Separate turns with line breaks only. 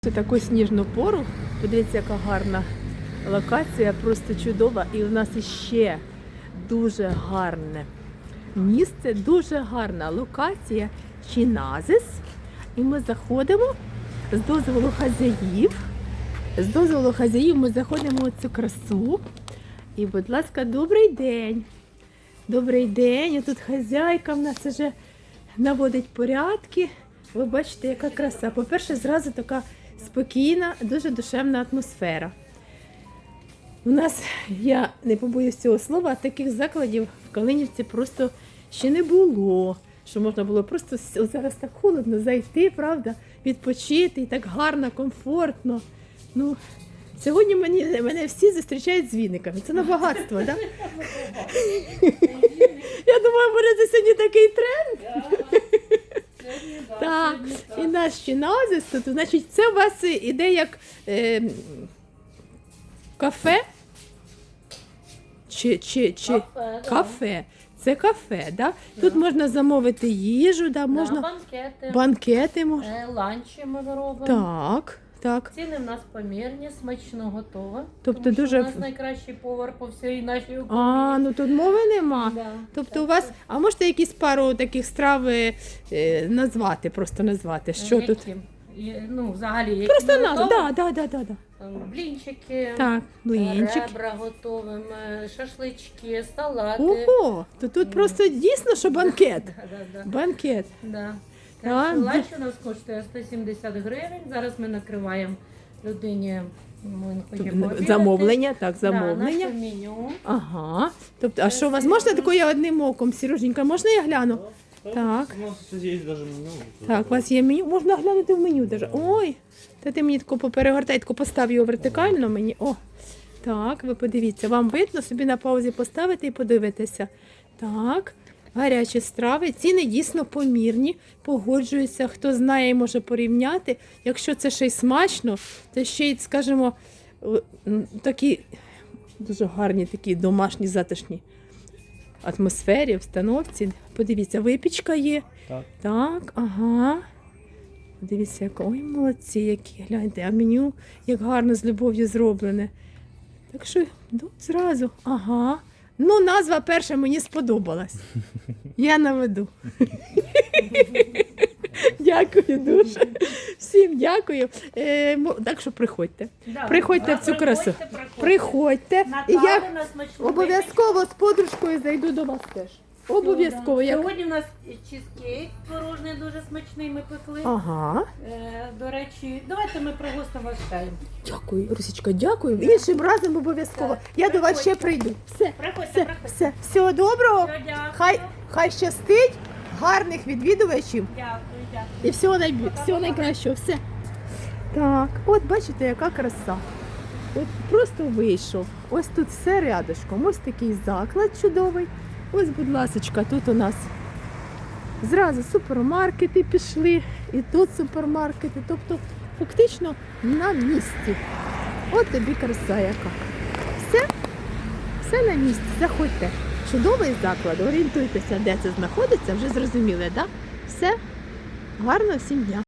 Це таку сніжну пору, подивіться, яка гарна локація, просто чудова. І у нас іще дуже гарне місце, дуже гарна локація Чиназис. І ми заходимо з дозволу хазяїв. З дозволу хазяїв ми заходимо у цю красу. І, будь ласка, добрий день. Добрий день. І тут хазяйка в нас вже наводить порядки. Ви бачите, яка краса. По-перше, зразу така спокійна, дуже душевна атмосфера. У нас, я не побоюсь цього слова, таких закладів в Калинівці просто ще не було. Що можна було просто, зараз так холодно, зайти, правда, відпочити, і так гарно, комфортно. Ну, сьогодні мене всі зустрічають з віниками. Це на багатство, так? Я думаю, буде це сьогодні такий тренд. Так, і наш Чиназис тут, значить, це у вас іде як кафе? Кафе. Це кафе, да? Тут можна замовити їжу, да? Можна банкети можна.
Ланчі ми робимо.
Так.
Ціни в нас помірні, смачно готово.
Тобто
тому
дуже...
що у нас найкращий повар по всій нашій Україні.
Ну тут мови нема.
Да.
Тобто у вас, а можете якісь пару таких страв назвати, просто назвати, що
які?
тут?
Ну, взагалі, які
Просто
ми готовимо?
да.
Блінчики,
Так, блінчики.
ребра готовимо, шашлички, салати.
Ого, то тут просто дійсно, що банкет.
Да.
Банкет.
Да.
Так,
Так, ланч у нас коштує 170 гривень. Зараз ми накриваємо людині, ми хочемо пообідати.
Замовлення, так,
Да,
замовлення.
наше меню.
Ага. Тобто, а що у вас можна такою одним оком, Сереженька, можна я гляну? Так.
У нас є навіть меню.
Так, у вас є меню, можна глянути в меню даже. Ой, та ти мені тако поперегортай, тако постав його вертикально мені. О, так, ви подивіться, вам видно, собі на паузі поставити і подивитися. Так, гарячі страви, ціни дійсно помірні, погоджуються, хто знає і може порівняти. Якщо це ще й смачно, то ще й, скажімо, такі дуже гарні, такі домашні, затишні атмосфері, обстановці. Подивіться, випічка є. Так, ага. Дивіться, ой, молодці, які, гляньте, а меню як гарно з любов'ю зроблене. Так що, зразу, ага. Ну, назва перша мені сподобалась. Я наведу. Дякую дуже. Всім дякую. Так що приходьте.
Да,
Приходьте в цю красу. Приходьте. І я обов'язково з подружкою зайду до вас теж. Обов'язково.
Сьогодні у нас чизкейк творожний дуже смачний, ми пекли.
Ага.
До речі, давайте ми пригостимо вас чаєм.
Дякую, Русічка, дякую. Іншим разом обов'язково. Я до вас ще прийду. Все. Всього доброго. Хай щастить, гарних відвідувачів.
Дякую.
І всього найкращого. Все. Так, от бачите, яка краса. От просто вийшов. Ось тут все рядышком. Ось такий заклад чудовий. Ось, будь ласочка, тут у нас зразу супермаркети пішли, і тут супермаркети. Тобто, фактично на місці. От тобі краса яка. Все на місці. Заходьте. Чудовий заклад. Орієнтуйтеся, де це знаходиться. Вже зрозуміли, так? Все. Гарного всім дня.